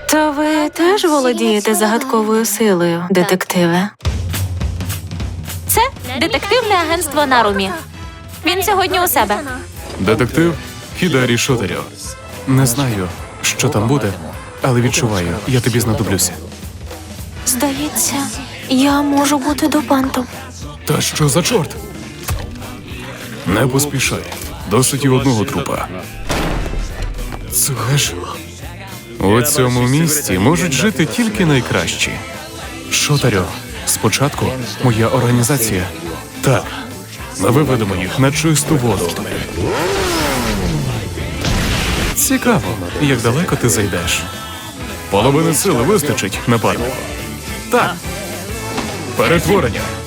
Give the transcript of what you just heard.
То ви теж володієте загадковою силою, детективе? Це детективне агентство Нарумі. Він сьогодні у себе. Детектив Хідарі Шотарьо. Не знаю, що там буде, але відчуваю, я тобі знадоблюся. Здається, я можу бути допантом. Та що за чорт? Не поспішай. Досить і одного трупа. Це ж... У цьому місті можуть жити тільки найкращі. Шотарьо, спочатку моя організація. Так, ми виведемо їх на чисту воду. Цікаво, як далеко ти зайдеш. Половини сили вистачить, напарнику. Так. Перетворення.